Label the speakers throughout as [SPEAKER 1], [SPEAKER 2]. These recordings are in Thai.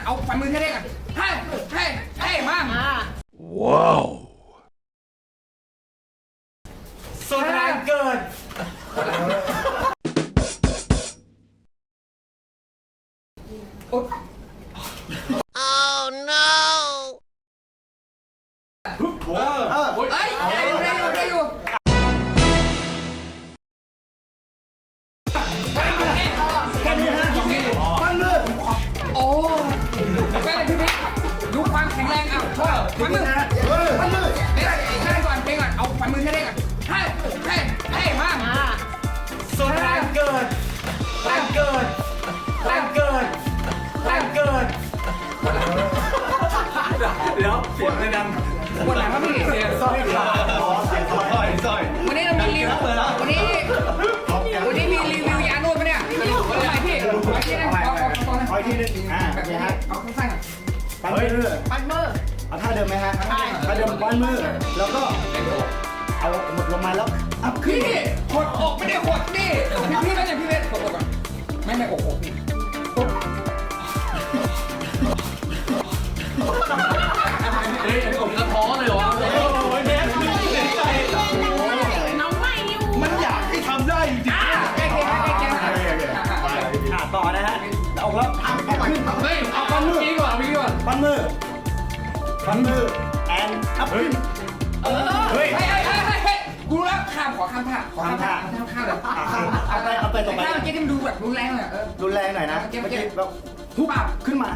[SPEAKER 1] เอาฝ่ามือเท่ๆกันเฮ้มา
[SPEAKER 2] ว้าว
[SPEAKER 3] สุดแรงเกิน
[SPEAKER 1] Oh no เฮ้ยได้อยู่
[SPEAKER 3] แค่นี้ฮะฟันมือ
[SPEAKER 1] โอ้แม่พี่ดูความแข็งแรงอ่ะฝ่ามือเท่ก่อนเอาฝ่ามือเท่ๆกันเฮ้มา
[SPEAKER 3] สุดแรงเกินแรงเกินแรงเกินแรงเกินแล้วเสียงเลยดัง
[SPEAKER 1] ปวดหลังครับพี่
[SPEAKER 3] เสียงสร้อยขาเสียงสร้อย
[SPEAKER 1] วันนี้เรามีรีวิววันนี้มีรีวิวยานวดปะเนี่ยเอาใหม่พี่เอาที่นั่นเอาที่นึงแบบนี้ฮะเอาสั้นๆ
[SPEAKER 3] ปั้นมือเอาท่าเดิมไหมฮะท่าเดิมปั้นมือแล้วก็เอาหมดลงมาแล้วอัพขึ้น
[SPEAKER 1] พี่หดอกไม่ได้หดนี่พี่ไม่ใช่พี่เวทหดอกก่อนไม่อกพี่
[SPEAKER 3] เฮ้ยผมกระท้อเลยเหรอโอ้ยแม่ไม่เสียใจมันอยากให้ทำได้จริงต่อนะฮะเอาแล้ว
[SPEAKER 1] เฮ้ยเอาปั้นมือก่อน
[SPEAKER 3] ปั้นมือแอนอัพขึ้น
[SPEAKER 1] เฮ้ยกูรู้แล้วขอข้ามท่าเลย
[SPEAKER 3] เอาไปต่อไป
[SPEAKER 1] ท่าเมื่อกี้ที่มันดูแบบรุนแรงเลย
[SPEAKER 3] รุนแรงหน่อยนะเมื่อกี้แบบทุบขึ้นมา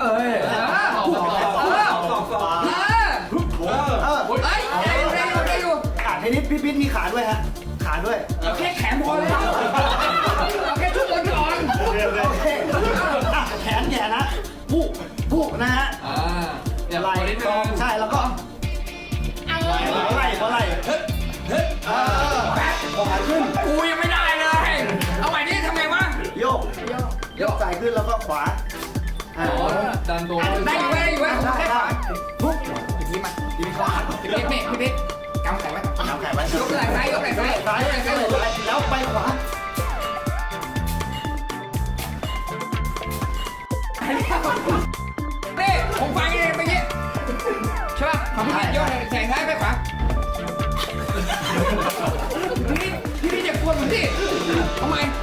[SPEAKER 1] ได้อยู่
[SPEAKER 3] ทีนี้พี่ปิ๊ดมีขาด้วยฮะขาด้วย
[SPEAKER 1] เอาแค่แขนพอเลยเอาแค่ชุดบนก่อน
[SPEAKER 3] แขนแย่นะผู้นะฮะไหล่กองใช่แล้วก็ไหล่แป๊บขาขึ้น
[SPEAKER 1] กูยังไม่ได้เลยเอาใหม่ดิทำไงวะ
[SPEAKER 3] โยกใส่ขึ้นแล้วก็ขวา
[SPEAKER 1] ดันตัวได้อยู่แค่ขวาทุบทีมาทีขวาพี่เบ๊กกำแขนไว้ยกไหล่ซ้าย
[SPEAKER 3] แล้วไปขวา
[SPEAKER 1] นี่ผมฟังเองเมื่อกี้ใช่ป่ะของพี่ยกแขนซ้ายไปขวาพี่จะกวนผมสิทำไม